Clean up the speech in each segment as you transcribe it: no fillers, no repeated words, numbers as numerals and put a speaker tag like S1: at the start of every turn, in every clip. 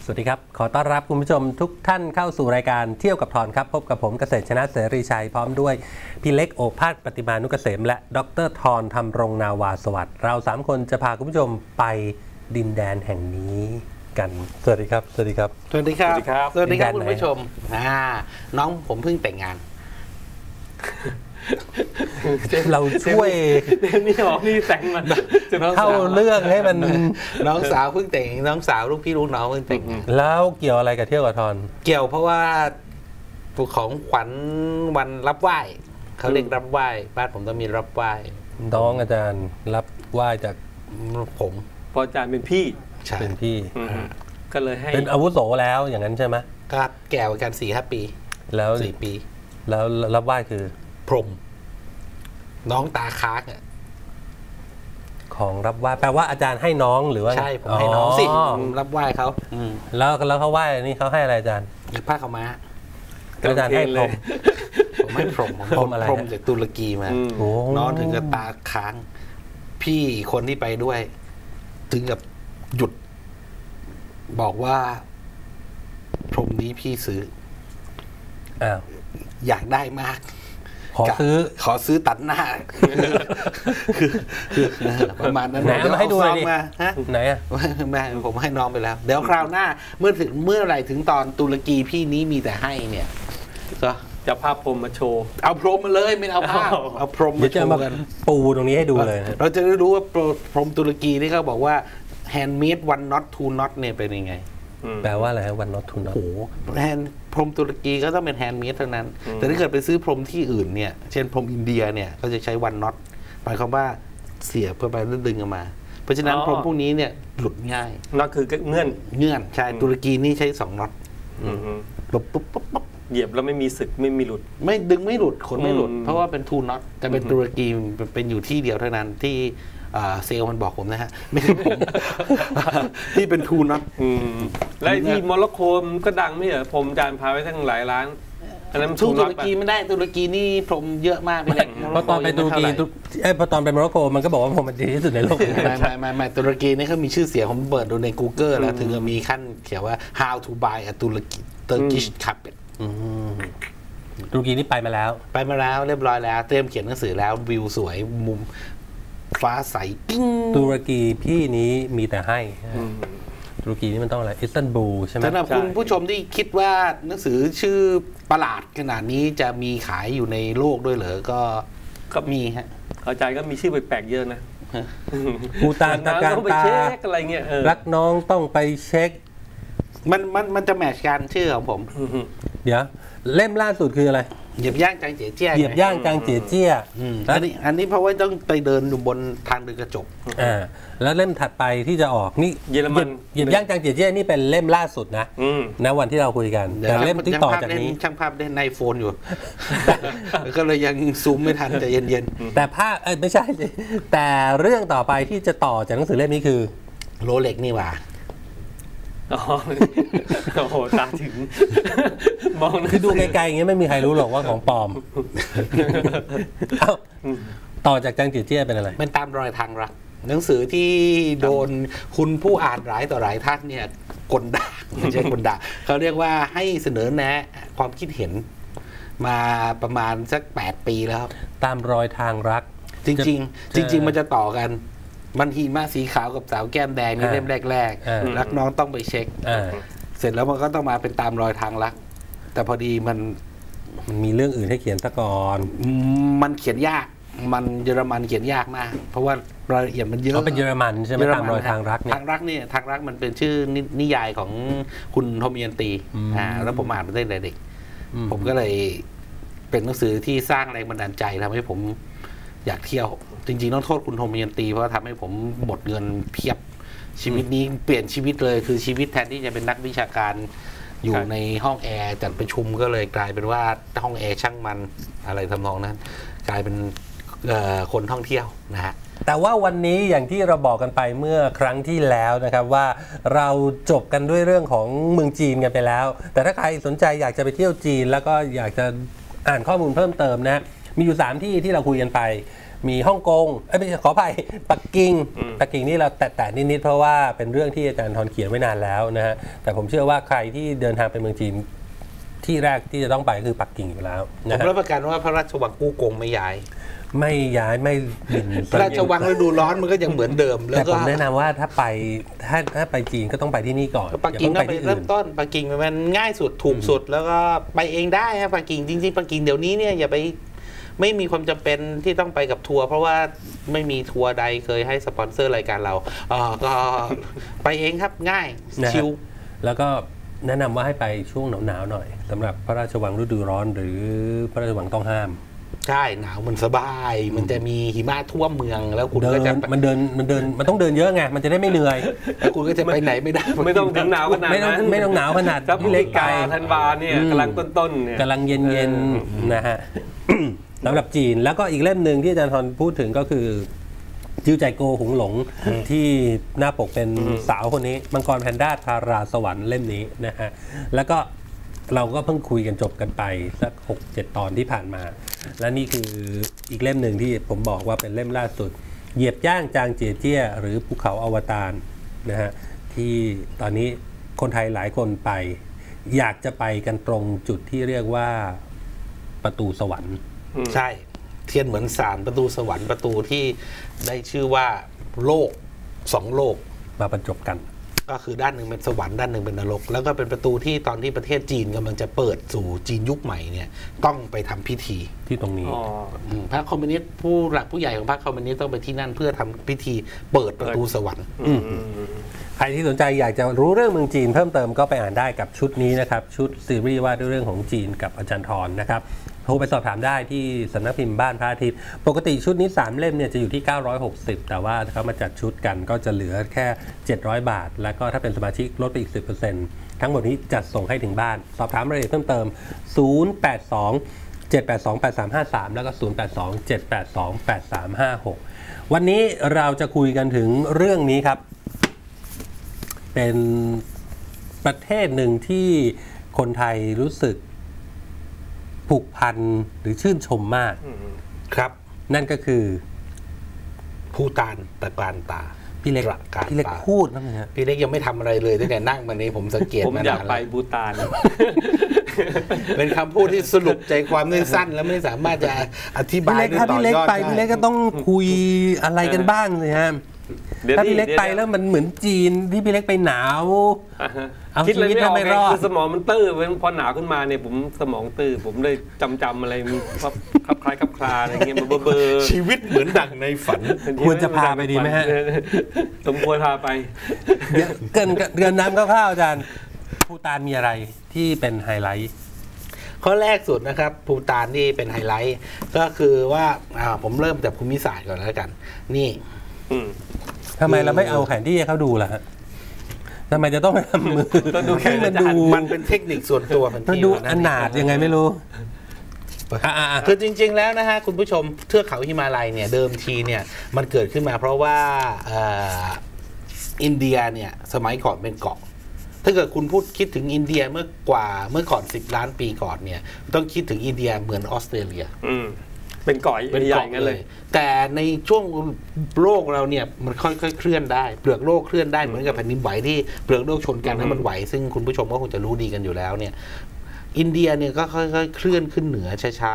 S1: สวัสดีครับขอต้อนรับคุณผู้ชมทุกท่านเข้าสู่รายการเที่ยวกับทอนครับพบกับผมเกษตรชนะเสรีชัยพร้อมด้วยพี่เล็กโอภาสปฏิมานุกเกษมและดรทอนธรรมรงนาวาสวัสดิ์เรา3คนจะพาคุณผู้ชมไปดินแดนแห่งนี้กันสวัสดีครับสวัสดีครับ
S2: สวัสดีครับสวัสดีครับคุณผู้ชมน้องผมเพิ่งแต่งงาน
S1: เราช่วย
S3: นี่ออกนี่แต่งมัน
S1: เข้าเรื่องให้มัน
S2: น้องสาวเพิ่งแต่งน้องสาวลูกพี่ลูกน้องเพิ่งแต่งงาน
S1: แล้วเกี่ยวอะไรกับเที่ยวกับทอน
S2: เกี่ยวเพราะว่าของขวัญวันรับไหว้เขาเรียกรับไหว้บ้านผมต้องมีรับไหว้
S1: น้องอาจารย์รับไหว้จาก
S2: ผม
S3: พออาจารย์เป็นพี่
S1: เป็นพี่
S3: ก็เลยให้
S1: เป็นอาวุโสแล้วอย่างนั้นใช่ไหม
S2: ก็แก่กัน4-5 ปี
S1: แล้ว
S2: 4 ปี
S1: แล้วรับไหว้คือ
S2: พรหมน้องตาค้าง
S1: ของรับไหว้แปลว่าอาจารย์ให้น้องหรือว่า
S2: ใช่ผมให้น้องสิรับไหว้เขา
S1: แล้วเขาไหว้นี่เขาให้อะไรอาจารย์
S2: ผ้าขาวม้า
S1: อาจารย์ให้พรหม
S2: ผมให้พรหมพรหมจากตุรกีมาน้องถึงกับตาค้างพี่คนที่ไปด้วยถึงกับหยุดบอกว่าพรหมนี้พี่ซื้ออยากได้มากขอซื้อตัดหน้าคือประมาณนั้น
S1: ไหนมาให้ดูเลยดิไหน
S2: แม่ผมให้น้องไปแล้วเดี๋ยวคราวหน้าเมื่อไหร่ถึงตอนตุรกีพี่นี้มีแต่ให้เนี่ยก็
S3: จะภาพพรมมาโชว์
S2: เอาพรมมาเลยไม่เอาภาพเอาพรมมาโชว์กัน
S1: ปูตรงนี้ให้ดูเลย
S2: เราจะได้รู้ว่าพรมตุรกีที่เขาบอกว่า handmade one not two not เนี่ยเป็นยังไง
S1: แปลว่าอะไรฮะ one not two not
S2: โอ้โหพรมตุรกีก็ต้องเป็นแฮนด์เมดเท่านั้นแต่ถ้าเกิดไปซื้อพรมที่อื่นเนี่ยเช่นพรมอินเดียเนี่ยเขาจะใช้วันน็อตหมายความว่าเสียบเพื่อไปแล้วดึงออกมาเพราะฉะนั้นพรมพวกนี้เนี่ยหลุดง่าย
S3: น็อตคือเงื่อน
S2: ใช่ตุรกีนี่ใช้2น็อตปุ๊บ
S3: เหยียบแล้วไม่มีสึกไม่มีหลุด
S2: ไม่ดึงไม่หลุดขนไม่หลุดเพราะว่าเป็นทูน็อตแต่เป็นตุรกีเป็นอยู่ที่เดียวเท่านั้นที่เซลมันบอกผมนะฮะไม่ใช่ผมที่เป็นทูน็อต
S3: และที่โมร็อกโกก็ดังไม่เหรอผมจานพาไปทั้งหลายร้านอันนั้น
S2: ทูตุรกีไม่ได้ตุรกีนี่พรมเยอะมากเลย
S1: เพราะตอนไปตุรกีพอตอนไปโมร็อกโกมันก็บอกว่าพรมมันดีที่สุดในโลก
S2: ไม่ตุรกีนี่เขามีชื่อเสียงผมเปิดดูใน Google แล้วถึงจะมีขั้นเขียนว่า how to buy a Turkish carpet
S1: ตุรกีนี่ไปมาแล้ว
S2: เรียบร้อยแล้วเตรียมเขียนหนังสือแล้ววิวสวยมุมฟ้าใสกิ้ง
S1: ตุรกีพี่นี้มีแต่ให้ตุรกีนี่มันต้องอะไรอิสตันบูลใช่ไหม
S2: สำหรับคุณผู้ชมที่คิดว่าหนังสือชื่อประหลาดขนาดนี้จะมีขายอยู่ในโลกด้วยเหรอก็มีฮะ
S3: เข้าใจก็มีชื่อแปลกๆเยอะนะ
S1: ภูตานตะการตา
S3: อะไรเงี้ย
S1: รักน้องต้องไปเช็ค
S2: มันจะแมทช์กันชื่อของผม
S1: เดี๋ยวเล่มล่าสุดคืออะไร
S2: เหยียบย่างจางเจี๋ยเจี้ย
S1: เหยียบย่างจางเจี๋ยเจี้ย
S2: อันนี้เพราะว่าต้องไปเดินอยู่บนทางเดินกระจก
S1: แล้วเล่มถัดไปที่จะออกนี่
S3: เยอรมัน
S1: เหยียบย่างจางเจี๋ยเจี้ยนี่เป็นเล่มล่าสุดนะวันที่เราคุยกันแต่เล่มที่ต่อจากนี้
S2: ช่างภาพได้ในโฟนอยู่ก็เลยยังซูมไม่ทันใจเย็น
S1: ๆแต่ภาพไม่ใช่แต่เรื่องต่อไปที่จะต่อจากหนังสือเล่มนี้คือ
S2: โรเล็กนี่หว่า
S3: โอ้โหตาถึงมอง
S1: คือดูไกลๆอย่างเงี้ยไม่มีใครรู้หรอกว่าของปลอมต่อจากจางเจี๋ยเจี้ยเป็นอะไร
S2: เป็นตามรอยทางรักหนังสือที่โดนคุณผู้อ่านหลายต่อหลายท่านเนี่ยกลด่าไม่ใช่กลด่าเขาเรียกว่าให้เสนอแนะความคิดเห็นมาประมาณสัก8 ปีแล้วครับ
S1: ตามรอยทางรัก
S2: จริงมันจะต่อกันมันหิมะสีขาวกับสาวแก้มแดงนี่เล่มแรกรักน้องต้องไปเช็คเสร็จแล้วมันก็ต้องมาเป็นตามรอยทางรักแต่พอดีมัน
S1: มีเรื่องอื่นให้เขียนซะก่อน
S2: มันเขียนยากมันเยอรมันเขียนยากมากเพราะว่ารายละเอียดมันเยอะ
S1: เขาเป็นเยอรมันใช่ไหมตามรอยทางรักเนี่ย
S2: ทางรักมันเป็นชื่อนิยายของคุณโทมิยันตีแล้วผมอ่านมาตั้งแต่เด็กผมก็เลยเป็นหนังสือที่สร้างแรงบันดาลใจทำให้ผมอยากเที่ยวจริงๆต้องโทษคุณโทมิยันตีเพราะทำให้ผมหมดเงินเพียบชีวิตนี้เปลี่ยนชีวิตเลยคือชีวิตแทนที่จะเป็นนักวิชาการอยู่ในห้องแอร์จัดประชุมก็เลยกลายเป็นว่าห้องแอร์ช่างมันอะไรทำนองนั้นกลายเป็นคนท่องเที่ยวนะฮะ
S1: แต่ว่าวันนี้อย่างที่เราบอกกันไปเมื่อครั้งที่แล้วนะครับว่าเราจบกันด้วยเรื่องของเมืองจีนกันไปแล้วแต่ถ้าใครสนใจอยากจะไปเที่ยวจีนแล้วก็อยากจะอ่านข้อมูลเพิ่มเติมนะมีอยู่3ที่ที่เราคุยกันไปมีฮ่องกงไม่ใช่ขออภัยปักกิ่งนี่เราแตะนิดๆเพราะว่าเป็นเรื่องที่อาจารย์ทรเขียนไว้นานแล้วนะฮะแต่ผมเชื่อว่าใครที่เดินทางไปเมืองจีนที่แรกที่จะต้องไปคือปักกิ่งอยู่แล้ว
S2: ผมรับประกันว่าพระราชวังกู้กงไม่ย้าย
S1: ไม่บิน
S2: พระราชวังฤดูร้อนมันก็ยังเหมือนเดิมแล้ว
S1: ก็ผมแนะนำว่าถ้าไปจีนก็ต้องไปที่นี่ก่อน
S2: ปักกิ่งก็ไปเริ่มต้นปักกิ่งมันง่ายสุดถูกสุดแล้วก็ไปเองได้ครับปักกิ่งจริงๆปักกิ่งเดี๋ยวนี้เนี่ยอย่าไปไม่มีความจำเป็นที่ต้องไปกับทัวร์เพราะว่าไม่มีทัวร์ใดเคยให้สปอนเซอร์รายการเราก็ไปเองครับง่ายชิล
S1: แล้วก็แนะนำว่าให้ไปช่วงหนาวๆหน่อยสำหรับพระราชวังฤดูร้อนหรือพระราชวังต้องห้าม
S2: ใช่หนาวมันสบายมันจะมีหิมะท่วมเมืองแล้วคุณก็จะ
S1: มันต้องเดินเยอะไงมันจะได้ไม่เหนื่อย
S2: แล้วคุณก็จะไปไหนไม่ได้
S3: ไม่ต้องถึงหนาวขนาดนั้น
S1: ไม่ต้องหนาวขนาด
S3: ที่เล็กไกลธันวาเนี่ยกำลังต้นๆเนี่ย
S1: กำลังเย็นๆนะฮะสำหรับจีนแล้วก็อีกเล่มหนึ่งที่อาจารย์ทรพูดถึงก็คือจิ้วใจโกหุงหลงที่หน้าปกเป็นสาวคนนี้มังกรแพนด้าทาราสวรรค์เล่มนี้นะฮะแล้วก็เราก็เพิ่งคุยกันจบกันไปสัก 6-7 ตอนที่ผ่านมาและนี่คืออีกเล่มหนึ่งที่ผมบอกว่าเป็นเล่มล่าสุดเหยียบย่างจางเจียเจี้ยหรือภูเขาอวตารนะฮะที่ตอนนี้คนไทยหลายคนไปอยากจะไปกันตรงจุดที่เรียกว่าประตูสวรรค์
S2: ใช่เทียนเหมือนสารประตูสวรรค์ประตูที่ได้ชื่อว่าโลก2โลก
S1: มาบรรจบกัน
S2: ก็คือด้านหนึ่งเป็นสวรรค์ด้านหนึ่งเป็นนรกแล้วก็เป็นประตูที่ตอนที่ประเทศจีนกำลังจะเปิดสู่จีนยุคใหม่เนี่ยต้องไปทำพิธี
S1: ที่ตรงนี้
S2: พรรคคอมมิวนิสต์ผู้หลักผู้ใหญ่ของพรรคคอมมิวนิสต์ต้องไปที่นั่นเพื่อทำพิธีเปิดประตูสวรรค์
S1: ใครที่สนใจอยากจะรู้เรื่องเมืองจีนเพิ่มเติมก็ไปอ่านได้กับชุดนี้นะครับชุดซีรีส์ว่าด้วยเรื่องของจีนกับอาจารย์ทรนะครับโทรไปสอบถามได้ที่สำนักพิมพ์บ้านพระอาทิตย์ปกติชุดนี้3เล่มเนี่ยจะอยู่ที่960แต่ว่าเขามาจัดชุดกันก็จะเหลือแค่700 บาทแล้วก็ถ้าเป็นสมาชิกลดไปอีก 10% ทั้งหมดนี้จัดส่งให้ถึงบ้านสอบถามรายละเอียดเพิ่มเติม082-782-8353แล้วก็082-782-8356วันนี้เราจะคุยกันถึงเรื่องนี้ครับเป็นประเทศหนึ่งที่คนไทยรู้สึกผูกพันหรือชื่นชมมาก
S2: ครับ
S1: นั่นก็คือ
S2: ภูฏานตะการตา
S1: พี่เล็กพูดนะฮะ
S2: พี่เล็กยังไม่ทำอะไรเลยตั้งแต่นั่งมานี้ผมสังเกต
S3: ผมอยากไปภูฏาน
S2: เป็นคำพูดที่สรุปใจความสั้นแล้วไม่สามารถจะอธิบายได้ต่อยอดได้
S1: พี่เล็กก็ต้องคุยอะไรกันบ้างเลยฮะถ้าพี่เล็กไปแล้วมันเหมือนจีนที่พี่เล็กไปหนาว
S3: คิดอะไรไม่ออกคือสมองมันตื้อพอหนาวขึ้นมาเนี่ยผมสมองตื้อผมเลยจำอะไรคับคล้ายคับคลาอะไรเงี้ยเบอร์
S2: ชีวิตเหมือนดั่งในฝัน
S1: ควรจะพาไปดีไหมฮะ
S3: สมควรพาไป
S1: เกินน้ำคร่าวๆอาจารย์ภูฏานมีอะไรที่เป็นไฮไลท์
S2: ข้อแรกสุดนะครับภูฏานนี่เป็นไฮไลท์ก็คือว่าผมเริ่มจากภูมิศาสตร์ก่อนแล้วกันนี่
S1: ทำไมเราไม่เอาแผนที่ให้เขาดูล่ะฮะทำไมจะต้องทำมือ
S2: ให้มันดูมันเป็นเทคนิคส่วนตัว
S1: มันดูอนาถยังไงไม่รู้
S2: คือจริงๆแล้วนะฮะคุณผู้ชมเทือกเขาหิมาลัยเนี่ยเดิมทีเนี่ยมันเกิดขึ้นมาเพราะว่าอินเดียเนี่ยสมัยก่อนเป็นเกาะถ้าเกิดคุณพูดคิดถึงอินเดียเมื่อก่อน10 ล้านปีก่อนเนี่ยต้องคิดถึงอินเดียเหมือนออสเตรเลีย
S3: เป็นเกาะใหญ่กันเลย
S2: แต่ในช่วงโลกเราเนี่ยมันค่อยๆเคลื่อนได้เปลือกโลกเคลื่อนได้เหมือนกับแผ่นดินไหวที่เปลือกโลกชนกันแล้วมันไหวซึ่งคุณผู้ชมก็คงจะรู้ดีกันอยู่แล้วเนี่ยอินเดียเนี่ยก็ค่อยๆเคลื่อนขึ้นเหนือช้า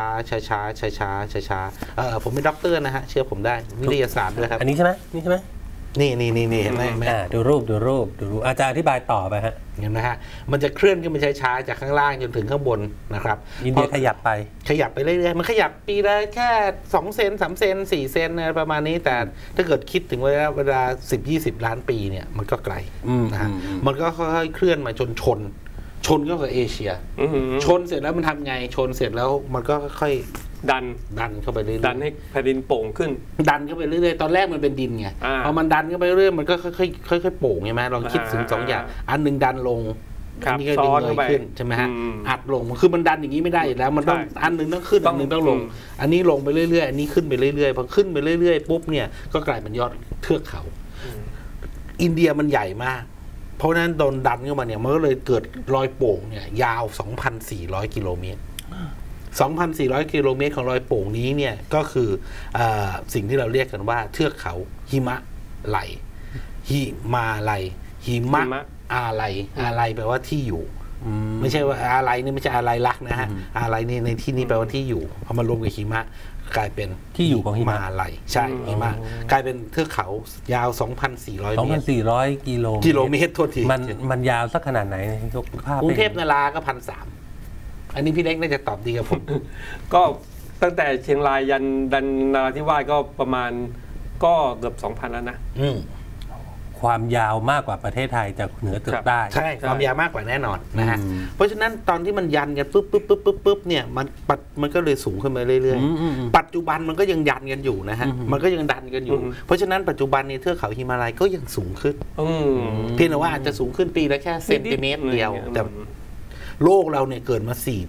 S2: ๆผมเป็นด็อกเตอร์นะฮะเชื่อผมได้วิทยาศาสตร์ด้วยครับ
S1: อันนี้ใช่ไหมนี่ใช่ไหม
S2: นี่เห็นไหม
S1: ดูรูปอาจารย์อธิบายต่อไปฮะ
S2: เห็นไหมฮะมันจะเคลื่อนขึ้นมาช้าๆจากข้างล่างจนถึงข้างบนนะครับ
S1: อินเดียขยับไป
S2: เรื่อยๆมันขยับปีละแค่2 เซน3 เซน4 เซนประมาณนี้แต่ถ้าเกิดคิดถึงเวลา10-20 ล้านปีเนี่ยมันก็ไกลนะฮะมันก็ค่อยๆเคลื่อนมาจนชนก็คือเอเชียชนเสร็จแล้วมันทำไงชนเสร็จแล้วมันก็ค่อยดันเข้าไปเรื่อยๆ
S3: ดันให้แผ่นดินโป่งขึ้น
S2: ดันเข้าไปเรื่อยๆตอนแรกมันเป็นดินไงพอมันดันเข้าไปเรื่อยๆมันก็ค่อยๆโป่งใช่ไหมลองคิดถึง2 อย่างอันนึงดันลงอันนี้ก็ดึงเลยขึ้นใช่ไหมฮะอัดลงคือมันดันอย่างนี้ไม่ได้อยู่แล้วมันต้องอันนึงต้องขึ้นอันนึงต้องลงอันนี้ลงไปเรื่อยๆอันนี้ขึ้นไปเรื่อยๆพอขึ้นไปเรื่อยๆปุ๊บเนี่ยก็กลายเป็นยอดเทือกเขาอินเดียมันใหญ่มากเพราะนั้นโดนดันเข้ามาเนี่ยมันก็เลยเกิดรอยโป่งเนี่ยยาว 2,400 กิโลเมตร 2,400 กิโลเมตรของรอยโป่งนี้เนี่ยก็คือสิ่งที่เราเรียกกันว่าเทือกเขาหิมะไหลหิมาลัยหิมะอาลัยแปลว่าที่อยู่ไม่ใช่ว่าอาลัยนี่ไม่ใช่อาลัยรักนะฮะอาลัยนี่ในที่นี้แปลว่าที่อยู่เอามารวมกับหิมะกลายเป็น
S1: ที่อยู่ของหิมะ
S2: ลัยใช่หิมะกลายเป็นเทือกเขายาว 2,400 เมตร
S1: 2,400 กิโลเมตร
S2: โทษที
S1: มันยาวสักขนาดไหนยกภาพ
S2: กรุงเทพนาราก็ 1,300 อันนี้พี่เล็กน่าจะตอบดีกับผม
S3: ก็ตั้งแต่เชียงรายยันนราธิวาสก็ประมาณก็เกือบ 2,000 แล้วนะ
S1: ความยาวมากกว่าประเทศไทยจากเหนือจรดใต้
S2: ใช่ความยาวมากกว่าแน่นอนนะฮะเพราะฉะนั้นตอนที่มันยันกันปุ๊บเนี่ยมันก็เลยสูงขึ้นมาเรื่อยๆปัจจุบันมันก็ยังยันกันอยู่นะฮะมันก็ยังดันกันอยู่เพราะฉะนั้นปัจจุบันในเทือกเขาหิมาลัยก็ยังสูงขึ้นเพียงแต่ว่าอาจจะสูงขึ้นปีละแค่เซนติเมตรเดียวแต่โลกเราเนี่ยเกิดมา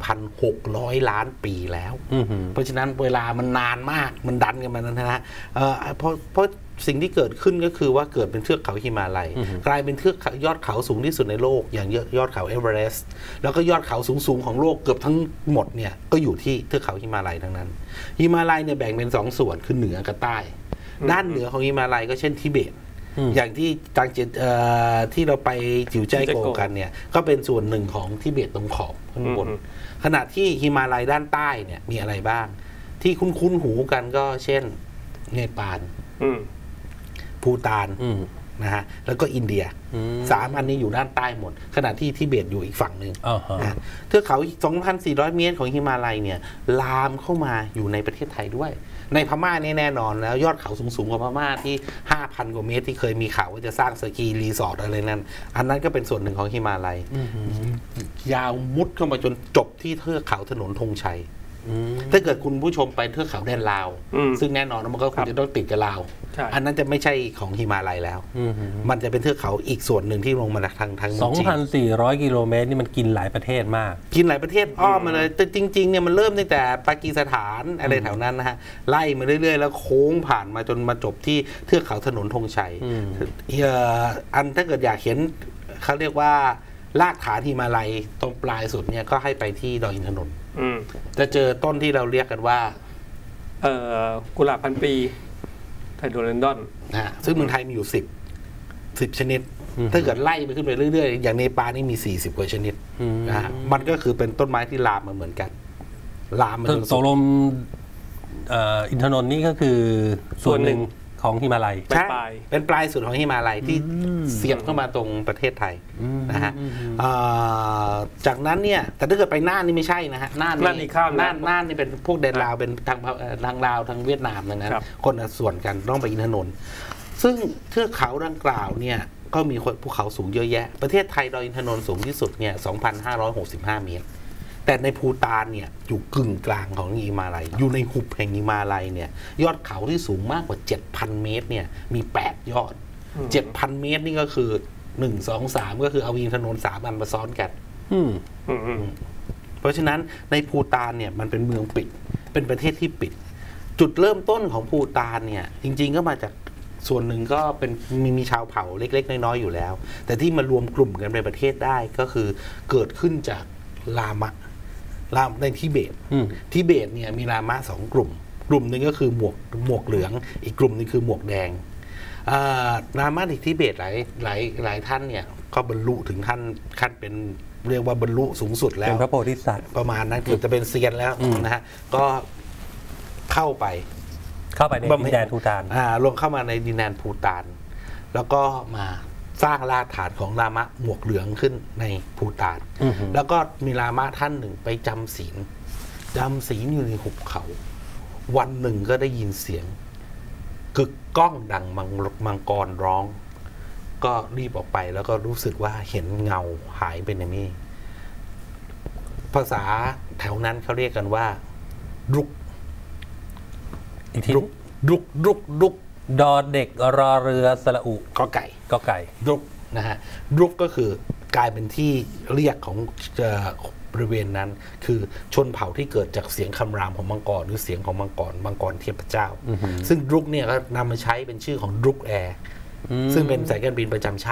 S2: 4,600 ล้านปีแล้วเพราะฉะนั้นเวลามันนานมากมันดันกันมานะฮะเพราะสิ่งที่เกิดขึ้นก็คือว่าเกิดเป็นเทือกเขาหิมาลัยกลายเป็นเทือกยอดเขาสูงที่สุดในโลกอย่างยอดเขาเอเวอเรสต์แล้วก็ยอดเขาสูงของโลกเกือบทั้งหมดเนี่ยก็อยู่ที่เทือกเขาหิมาลัยทั้งนั้นหิมาลัยเนี่ยแบ่งเป็น2 ส่วนคือเหนือกับใต้ด้านเหนือของหิมาลัยก็เช่นทิเบตอย่างที่ที่เราไปจิ๋วใจโกกันเนี่ยก็เป็นส่วนหนึ่งของทิเบตตรงขอบข้างบนขณะที่หิมาลัยด้านใต้เนี่ยมีอะไรบ้างที่คุ้นหูกันก็เช่นเนปาลภูฏานนะฮะแล้วก็อินเดีย3 อันนี้อยู่ด้านใต้หมดขณะที่ทิเบตอยู่อีกฝั่งหนึ่งนะเทือกเขา 2,400 เมตรของหิมาลัยเนี่ยลามเข้ามาอยู่ในประเทศไทยด้วยในพม่านี่แน่นอนแล้วยอดเขาสูงๆกว่าพม่าที่ 5,000 กว่าเมตรที่เคยมีข่าวว่าจะสร้างสกีรีสอร์ทอะไรนั่นอันนั้นก็เป็นส่วนหนึ่งของหิมาลัยยาวมุดเข้ามาจนจบที่เทือกเขาถนนธงชัยถ้าเกิดคุณผู้ชมไปเทือกเขาแดนลาวซึ่งแน่นอนมันก็คงจะต้องติดกับลาวอันนั้นจะไม่ใช่ของหิมาลัยแล้วมันจะเป็นเทือกเขาอีกส่วนหนึ่งที่ลงมาทางจีน
S1: 2,400 กิโลเมตรนี่มันกินหลายประเทศมาก
S2: กินหลายประเทศอ้อมมาเลยแต่จริงๆเนี่ยมันเริ่มตั้งแต่ปากีสถานอะไรแถวนั้นนะฮะไล่มาเรื่อยๆแล้วโค้งผ่านมาจนมาจบที่เทือกเขาถนนธงชัยอันถ้าเกิดอยากเห็นเขาเรียกว่ารากฐานหิมาลัยตรงปลายสุดเนี่ยก็ให้ไปที่ดอยอินทนนท์จะเจอต้นที่เราเรียกกันว่า
S3: กุหลาบพันปีไทโดเรนดอน
S2: ซึ่งเมืองไทยมีอยู่10 ชนิดถ้าเกิดไล่ไปขึ้นไปเรื่อยๆอย่างเนปาลนี่มี40 กว่าชนิดนะฮะมันก็คือเป็นต้นไม้ที่ลามมาเหมือนกันลามมา
S1: ตกลงอินทนนท์นี่ก็คือส่วนหนึ่งของหิมาลัย
S2: เป็นปลายสุดของหิมาลัยที่เสียบเข้ามาตรงประเทศไทยนะฮะจากนั้นเนี่ยแต่ถ้าเกิดไปน่านนี่ไม่ใช่นะฮะน่านนี่เป็นพวกแดนลาวเป็นทางลาวทางเวียดนามดังนั้นคนละส่วนกันต้องไปอินทนนท์ซึ่งเทือกเขาดังกล่าวเนี่ยก็มีภูเขาสูงเยอะแยะประเทศไทยดอยอินทนนท์สูงที่สุดเนี่ย 2,565 เมตรแต่ในภูฏานเนี่ยอยู่กึ่งกลางของหิมาลัยอยู่ในหุบแห่งหิมาลัยเนี่ยยอดเขาที่สูงมากกว่า 7,000 เมตรเนี่ยมี8 ยอด 7,000 เมตรนี่ก็คือ1 2 3ก็คือเอาอินทนนท์3 อันมาซ้อนกันเพราะฉะนั้นในภูฏานเนี่ยมันเป็นเมืองปิดเป็นประเทศที่ปิดจุดเริ่มต้นของภูฏานเนี่ยจริงๆก็มาจากส่วนหนึ่งก็เป็นมีชาวเผ่าเล็กๆน้อยๆอยู่แล้วแต่ที่มารวมกลุ่มกันในประเทศได้ก็คือเกิดขึ้นจากลามะในทิเบตเนี่ยมีลามะ2 กลุ่มหนึ่งก็คือหมวกเหลืองอีกกลุ่มนึงคือหมวกแดงลามะในทิเบตหลายท่านเนี่ยก็บรรลุถึงขั้นเป็นเรียกว่าบรรลุสูงสุดแล้ว
S1: เป็นพระโพธิสัตว์
S2: ประมาณนั้นเกือบจะเป็นเซียนแล้วนะฮะก็เข้าไป
S1: ในดินแดนภูฏาน
S2: ลงเข้ามาในดินแดนภูฏานแล้วก็มาสร้างรากฐานของลามะหมวกเหลืองขึ้นในภูฏานแล้วก็มีลามะท่านหนึ่งไปจำศีลอยู่ในหุบเขาวันหนึ่งก็ได้ยินเสียงกึกก้องดังมังกรร้องก็รีบออกไปแล้วก็รู้สึกว่าเห็นเงาหายไปในเมฆภาษาแถวนั้นเขาเรียกกันว่ารุก
S1: ดอเด็กรอเรือสระอุ
S2: กอไก่รุกนะฮะรุกก็คือกลายเป็นที่เรียกของบริเวณนั้นคือชนเผ่าที่เกิดจากเสียงคำรามของมังกรหรือเสียงของมังกรเทพเจ้าซึ่งรุกเนี่ยก็นำมาใช้เป็นชื่อของรุกแอร์ซึ่งเป็นสายการบินประจำชาติ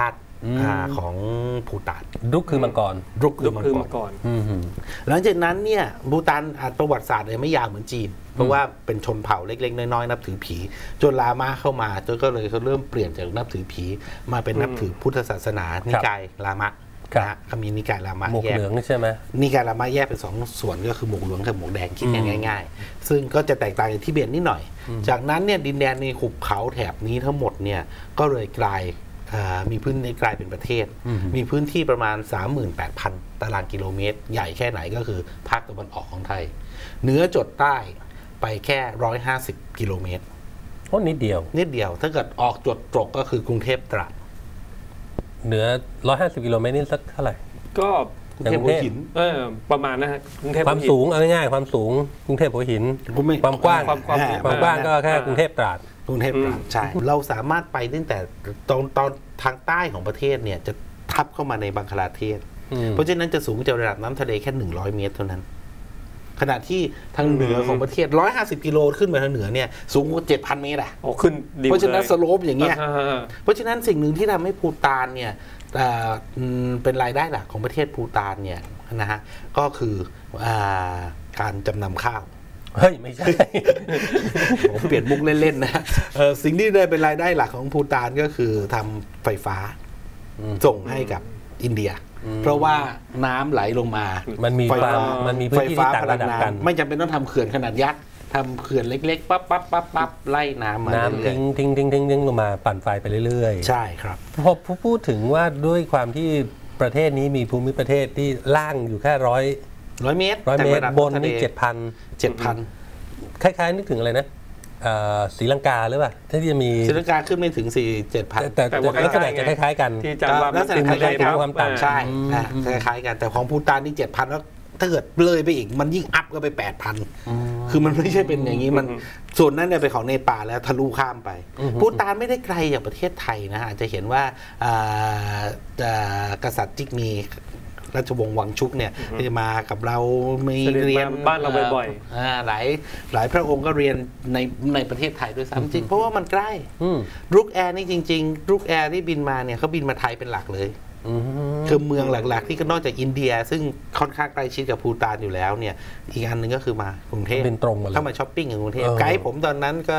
S2: ของภูฏาน
S1: รุกคือมังกร
S2: รุก
S3: ลุก
S2: คือ
S3: คือ
S2: มั
S3: มาง
S2: ก
S3: ก่
S2: ร
S3: อน
S2: หลังจากนั้นเนี่ยภูฏานประวัติศาสตร์เลยไม่ยาวเหมือนจีน เพราะว่าเป็นชนเผ่าเล็กๆน้อยๆนับถือผีจนลามาเข้ามาจนก็เลยเขาเริ่มเปลี่ยนจากนับถือผีมาเป็นนับถือพุทธศาสนานิกายลามะนะฮะเขามีนิกายลามะ
S1: หมวก
S2: แยก
S1: เหลืองใช่ไหม
S2: นิกายลามะแยกเป็น2ส่วนก็คือหมวกเหลืองกับหมวกแดงคิดกันง่ายๆซึ่งก็จะแตกต่างจากทิเบตนิดหน่อยจากนั้นเนี่ยดินแดนในหุบเขาแถบนี้ทั้งหมดเนี่ยก็เลยกลายมีพื้นที่กลายเป็นประเทศ มีพื้นที่ประมาณ 38,000 ตารางกิโลเมตร ใหญ่แค่ไหนก็คือภาคตะวันออกของไทยเหนือจดใต้ไปแค่150กิโลเมตร
S1: โอ้นิดเดียว
S2: นิดเดียวถ้าเกิดออกจดตรกก็คือกรุงเทพตราด
S1: เหนือ150กิโลเมตรนี่สักเท่าไหร่
S3: ก็
S2: กรุงเทพหัวหิน
S3: ประมาณนะฮะกรุงเทพ
S1: ความสูงเอาง่ายๆความสูงกรุงเทพหัวหิน ความกว้าง
S3: ความ
S1: ความกว้างก็แค่กรุงเทพตราด
S2: กรุงเทพตราดใช่เราสามารถไปตั้งแต่ตอนทางใต้ของประเทศเนี่ยจะทับเข้ามาในบังคลาเทศ เพราะฉะนั้นจะสูงจากระดับน้ำทะเลแค่100 เมตรเท่านั้นขณะที่ทางเหนือของประเทศ150กิโลขึ้นไปทางเหนือเนี่ยสูงกว่า 7,000 เมตรอ่ะ
S3: โอ้ขึ้นดี
S2: เพราะฉะนั้นสโลปอย่างเงี้ย
S3: อ่า
S2: เพราะฉะนั้นสิ่งหนึ่งที่ทำให้ภูฏานเนี่ยเป็นรายได้หลักของประเทศภูฏานเนี่ยนะฮะก็คือการจำนำข้าว
S1: เฮ้ย ไม่ใช่
S2: ผมเปลี่ยนมุกเล่นๆนะสิ่งที่ได้เป็นรายได้หลักของภูฏานก็คือทำไฟฟ้าส่งให้กับอินเดีย เพราะว่าน้ำไหลลงมา
S1: มันมี
S2: ไฟฟ้า
S1: มันมีพื้นที่ที่ต่างระดับกัน
S2: ไม่จำเป็นต้องทำเขื่อนขนาดยักษ์ทำเขื่อนเล็กๆปั๊บไล่น้ำมา
S1: น้ำ
S2: เรื่อย
S1: ทิ้งลงมาปั่นไฟไปเรื่อย
S2: ๆใช่ครับ
S1: พอพูดถึงว่าด้วยความที่ประเทศนี้มีภูมิประเทศที่ล่างอยู่แค่
S2: 100 เมตร
S1: 100 เมตรบนนี่
S2: 7,000
S1: 7,000 คล้ายๆนึกถึงอะไรนะศรีลังกาหรือเปล่าที่จะมี
S2: ศรีลังกาขึ้นไม่ถึง 7,000
S1: แต่ลักษณะจะคล้ายๆกัน
S3: ที่จำว่า
S2: ลักษณะคล้ายๆกัน
S1: ความต่าง
S2: ใช่คล้ายๆกันแต่ของภูฏานนี่ 7,000 แล้วถ้าเกิดเลยไปอีกมันยิ่งอัพก็ไป 8,000 คือมันไม่ใช่เป็นอย่างนี้มันส่วนนั้นเนี่ยเป็นของเนปาลแล้วทะลุข้ามไปภูฏานไม่ได้ไกลจากประเทศไทยนะฮะจะเห็นว่ากษัตริย์จิกมีราชวงศ์วังชุกเนี่ยที่มากับเรามีเรียน
S3: บ้านเราบ่อย
S2: หลายพระองค์ก็เรียนในประเทศไทยด้วยซ้ำจริงเพราะว่ามันใกล้รุกแอร์นี่จริงๆรุกแอร์ที่บินมาเนี่ยเขาบินมาไทยเป็นหลักเลยคือเมืองหลักๆที่ก็นอกจากอินเดียซึ่งค่อนข้างใกล้ชิดกับภูฏานอยู่แล้วเนี่ยอีกอันหนึ่งก็คือมากรุงเทพ
S1: เป็นตรงมาเลย
S2: เข้ามาช้อปปิ้งกับกรุงเทพไกด์ผมตอนนั้นก็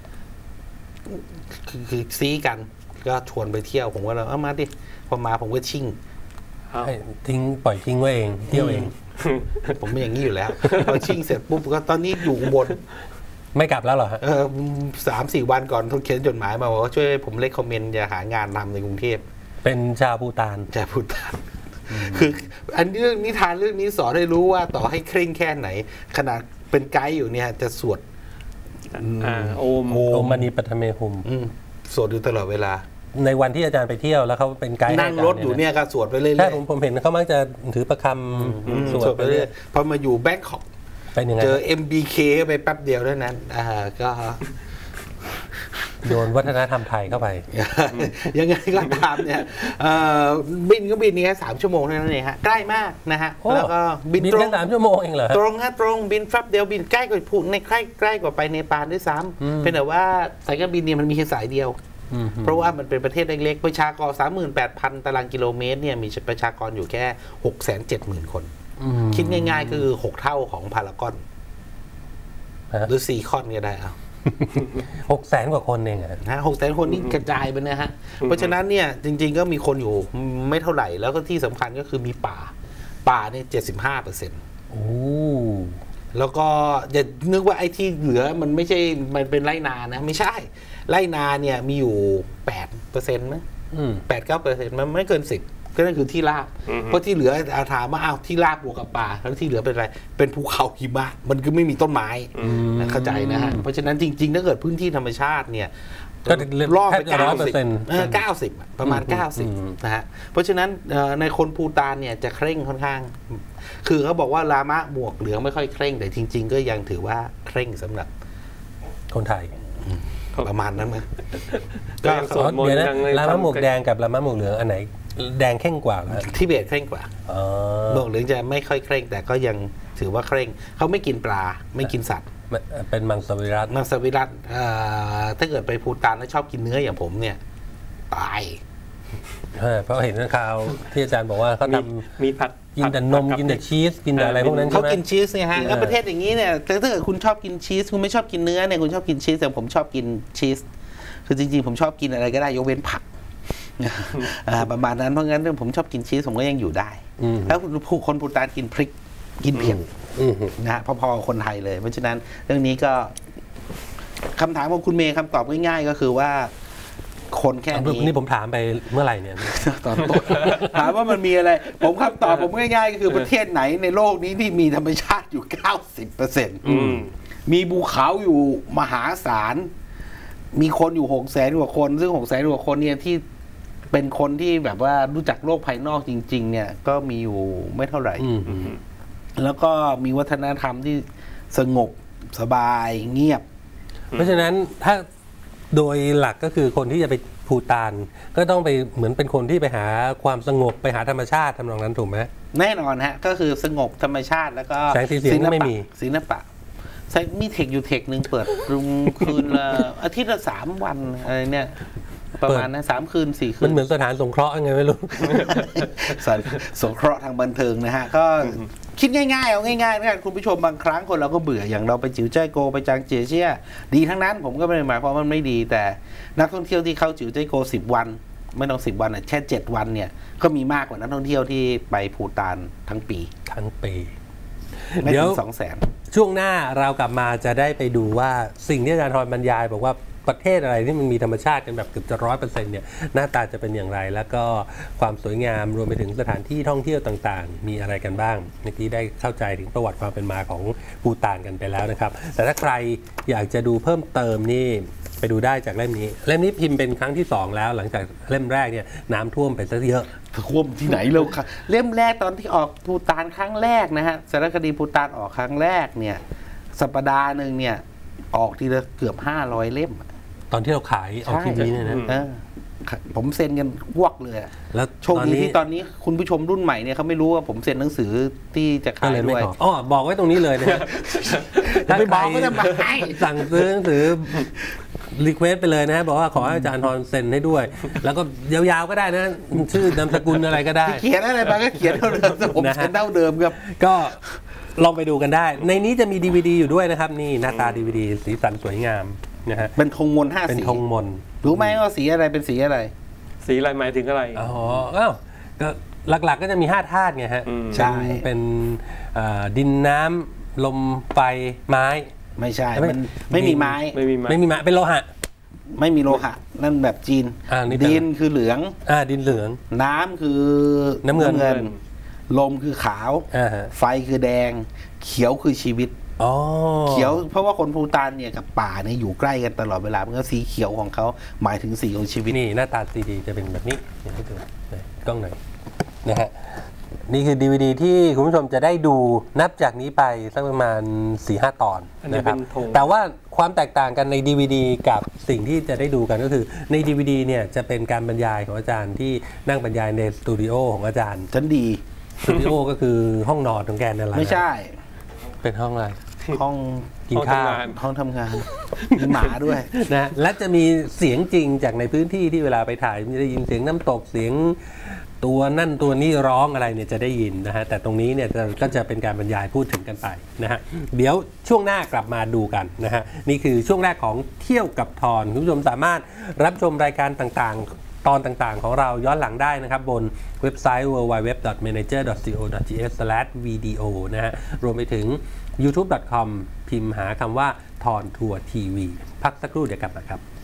S2: คือซีกันก็ชวนไปเที่ยวผมก็เลยเอามาดิพอมาผมก็ชิ่ง
S1: ให้ปล่อยทิ้งไว้เองเที่ยวเอง
S2: ผมเป็นอย่างนี้อยู่แล้วพอชิ่งเสร็จปุ๊บก็ตอนนี้อยู่อุบล
S1: ไม่กลับแล้วเหรอฮะ
S2: 3-4 วันก่อนเขาเขียนจดหมายมาบอกว่าช่วยผมเลคคอมเมนต์จะหางานทำในกรุงเทพ
S1: เป็นชาวภูฏาน
S2: จะพูดตามคืออันนี้เรื่องนิทานเรื่องนี้สอนให้รู้ว่าต่อให้เคร่งแค่ไหน ขนาดเป็นไกด์อยู่เนี่ยจะสวด
S3: โอม
S1: โอมณีปัทเมหุม
S2: สวดอยู่ตลอดเวลา
S1: ในวันที่อาจารย์ไปเที่ยวแล้วเขาเป็นไกด์
S2: นั่งรถอยู่เนี่ยก็สวดไปเรื่อยๆ
S1: ใช่ผมเห็นเขามักจะถือประคำสวดไปเรื่อย
S2: พอมาอยู่แบงคอก
S1: เป็นยังไง
S2: เจอ MBK ไปแป๊บเดียวเท่านั้นก็
S1: โยนวัฒนธรรมไทยเข้าไป
S2: ยังไงก็ตามเนี่ยบินก็บินนี่แค่3 ชั่วโมงเท่านั้นเองฮะใกล้มากนะฮะ
S1: โอ้
S2: แล้วก็บินตร
S1: แค่
S2: ง
S1: 3 ชั่วโมงเองเหรอฮะ
S2: ตรงฮะตรงบินแป๊บเดียวบินใกล้กว่าภูในใกล้กว่าไปเนปาลด้วยซ้ำเป็นแต่ว่าสายการบินเนี่ยมันมีแค่สายเดียว เพราะว่ามันเป็นประเทศเล็กๆประชากร 38,000 ตารางกิโลเมตรเนี่ยมีประชากรอยู่แค่ 670,000 คนคิดง่ายๆคือ6 เท่าของพารากอนหรือ4 คอนก็ได้เอา
S1: 600,000 กว่าคนเองอะ
S2: นะ600,000 คนนี่กระจายไปนะฮะเพราะฉะนั้นเนี่ยจริงๆก็มีคนอยู่ไม่เท่าไหร่แล้วก็ที่สำคัญก็คือมีป่าเนี่ย 75%
S1: โอ้
S2: แล้วก็อย่านึกว่าไอ้ที่เหลือมันไม่ใช่มันเป็นไรนานะไม่ใช่ไรนาเนี่ยมีอยู่ 8%มั้ย8-9%มันไม่เกิน 10ก็นั่นคือที่ราบเพราะที่เหลือถามว่าอ้าวที่ราบบวกกับป่าแล้วที่เหลือเป็นอะไรเป็นภูเขาหิมะมันก็ไม่มีต้นไม้เข้าใจนะฮะเพราะฉะนั้นจริงๆถ้าเกิดพื้นที่ธรรมชาติเนี่ย
S1: ก็
S2: รอบไป
S1: 100%
S2: 90ประมาณ 90นะฮะเพราะฉะนั้นในคนภูฏานเนี่ยจะเคร่งค่อนข้างคือเขาบอกว่าลามะหมวกเหลืองไม่ค่อยเคร่งแต่จริงๆก็ยังถือว่าเคร่งสำหรับ
S1: คนไทย
S2: ประมาณนั้นนะ
S3: ก็ยังสวดมน
S1: เดี๋ยว
S3: ต์
S1: นะ
S3: ยังใน
S1: ลามะหมวกแดงกับลามะหมวกเหลืองอันไหนแดงเข้มกว่าเหรอ
S2: ทิเบตเคร่งกว่าหมวกเหลืองจะไม่ค่อยเคร่งแต่ก็ยังถือว่าเคร่งเขาไม่กินปลาไม่กินสัตว์
S1: เป็นมังสวิรัติ
S2: มังสวิรัติถ้าเกิดไปภูฏานแล้วชอบกินเนื้ออย่างผมเนี่ยตาย
S1: เพราะเห็นข่าวที่อาจารย์บอกว่าเขาทำ
S3: มีผัด
S1: กินแต่นมกินแต่ชีสกินแต่อะไรพวกนั้นใช่ไหม
S2: เขากินชีสเนี่ยฮะแล้วประเทศอย่างนี้เนี่ยถ้าเกิดคุณชอบกินชีสคุณไม่ชอบกินเนื้อเนี่ยคุณชอบกินชีสแต่ผมชอบกินชีสคือจริงๆผมชอบกินอะไรก็ได้ยกเว้นผักประมาณนั้นเพราะงั้นผมชอบกินชีสผมก็ยังอยู่ได้แล้วผู้คนปูตานกินพริกกินเผ็ดนะฮะพอๆคนไทยเลยเพราะฉะนั้นเรื่องนี้ก็คำถามของคุณเมย์คำตอบง่ายๆก็คือว่าคนแค่นี้
S1: นี่ผมถามไปเมื่อไหร่เนี่ย
S2: ตอนต้นถามว่ามันมีอะไรผมคำตอบผมง่ายๆก็คือประเทศไหนในโลกนี้ที่มีธรรมชาติอยู่ 90% มีภูเขาอยู่มหาศาลมีคนอยู่600,000 กว่าคนซึ่ง600,000 กว่าคนเนี่ยที่เป็นคนที่แบบว่ารู้จักโลกภายนอกจริงๆเนี่ยก็มีอยู่ไม่เท่าไหร่แล้วก็มีวัฒนธรรมที่สงบสบายเงียบ
S1: เพราะฉะนั้นถ้าโดยหลักก็คือคนที่จะไปภูฏานก็ต้องไปเหมือนเป็นคนที่ไปหาความสงบไปหาธรรมชาติทำนองนั้นถูกไหม
S2: แน่นอนฮะก็คือสงบธรรมชาติแล้วก็
S1: แสงสีเสียงไม่มี
S2: ศิลปะมีเทคอยู่เทคหนึ่งเปิดคืนละอาทิตย์ละ3 วันอะไรเนี่ยประมาณนั้น3 คืน 4 คืน
S1: มันเหมือนสถานสงเคราะห์ไงไม่รู้
S2: สงเคราะห์ทางบันเทิงนะฮะก็คิดง่ายๆเอาง่ายๆนะคุณผู้ชมบางครั้งคนเราก็เบื่ออย่างเราไปจิ๋วจ้ายโกไปจางเจียเชี่ยดีทั้งนั้นผมก็ไม่ได้หมายความว่ามันไม่ดีแต่นักท่องเที่ยวที่เข้าจิ๋วจ้ายโก10 วันไม่ต้อง10 วันแค่7 วันเนี่ยก็มีมากกว่านักท่องเที่ยวที่ไปภูฏานทั้งปีเดี๋ยว
S1: 200,000ช่วงหน้าเรากลับมาจะได้ไปดูว่าสิ่งที่อาจารย์ธรบรรยายบอกว่าประเทศอะไรที่มันมีธรรมชาติกันแบบเกือบจะ100%เนี่ยหน้าตาจะเป็นอย่างไรแล้วก็ความสวยงามรวมไปถึงสถานที่ท่องเที่ยวต่างๆมีอะไรกันบ้างเมื่อกี้ได้เข้าใจถึงประวัติความเป็นมาของภูฏานกันไปแล้วนะครับแต่ถ้าใครอยากจะดูเพิ่มเติมนี่ไปดูได้จากเล่มนี้พิมพ์เป็นครั้งที่2แล้วหลังจากเล่มแรกเนี่ยน้ำท่วมไปซะเยอะ
S2: ท่วมที่ไหนเราค่ะเล่มแรกตอนที่ออกภูฏานครั้งแรกนะฮะสารคดีภูฏานออกครั้งแรกเนี่ยสัปดาห์นึงเนี่ยออกทีละเกือบ500 เล่ม
S1: ตอนที่เราขายออกทีวีเนี่ยนะ
S2: ผมเซ็นกันวกเลยแล้วโชคดีที่ตอนนี้คุณผู้ชมรุ่นใหม่เนี่ยเขาไม่รู้ว่าผมเซ็นหนังสือที่จะขายด้วย
S1: อ๋อบอกไว้ตรงนี้เลยนะ
S2: ถ้าไปบอกก็จะมา
S1: สั่งซื้อหนังสือรีเควสไปเลยนะบอกว่าขอให้อาจารย์ธรเซ็นให้ด้วยแล้วก็ยาวๆก็ได้นะชื่อนามสกุลอะไรก็ได้
S2: เขียนอะไรมาก็เขียนเท่าเดิมผมเซ็นเท่าเดิมครับ
S1: ก็ลองไปดูกันได้ในนี้จะมี DVD อยู่ด้วยนะครับนี่หน้าตา DVD สีสันสวยงามนะฮะ
S2: เป็นธงมนต์5 สี
S1: เป็นธงมนต์
S2: รู้ไหมว่าสีอะไรเป็นสีอะไร
S3: สีอะไรหมายถึงอะไร
S1: อ๋อก็หลักๆก็จะมี5 ธาตุไงฮะ
S2: ใช่
S1: เป็นดินน้ำลมไฟไม้
S2: ไม่ใช่มันไม่มีไม้
S1: ไม่มีไม้เป็นโลหะ
S2: ไม่มีโลหะนั่นแบบจีนดินคือเหลือง
S1: ดินเหลือง
S2: น้ำคือ
S1: น้ำเงิน
S2: ลมคือขาวไฟคือแดงเขียวคือชีวิตเขียวเพราะว่าคนภูฏานเนี่ยกับป่าเนี่ยอยู่ใกล้กันตลอดเวลาเพราะงั้นสีเขียวของเขาหมายถึงสีของชีวิต
S1: นี่หน้าตาซีดีจะเป็นแบบนี้ให้ดูกล้องหน่อยนะฮะนี่คือ DVD ที่คุณผู้ชมจะได้ดูนับจากนี้ไปสักประมาณ 4-5 ตอนนะครับแต่ว่าความแตกต่างกันใน DVD กับสิ่งที่จะได้ดูกันก็คือใน DVD เนี่ยจะเป็นการบรรยายของอาจารย์ที่นั่งบรรยายในสตูดิโอของอาจารย์
S2: ชั้นดี
S1: สตูดิโอก็คือห้องนอนของแกนั่นแหละ
S2: ไม่ใช่
S1: เป็นห้องอะไร
S2: ห้อง
S1: กินข้าว
S2: ห้องทำงานมีหมาด้วย
S1: นะและจะมีเสียงจริงจากในพื้นที่ที่เวลาไปถ่ายจะได้ยินเสียงน้ำตกเสียงตัวนั่นตัวนี้ร้องอะไรเนี่ยจะได้ยินนะฮะแต่ตรงนี้เนี่ยก็จะเป็นการบรรยายพูดถึงกันไปนะฮะเดี๋ยวช่วงหน้ากลับมาดูกันนะฮะนี่คือช่วงแรกของเที่ยวกับทอนคุณผู้ชมสามารถรับชมรายการต่างๆตอนต่างๆของเราย้อนหลังได้นะครับบนเว็บไซต์ www.manager.co.th/video นะฮะรวมไปถึง youtube.com พิมพ์หาคำว่าทอนทัวร์ทีวีพักสักครู่เดี๋ยวกลับมาครับ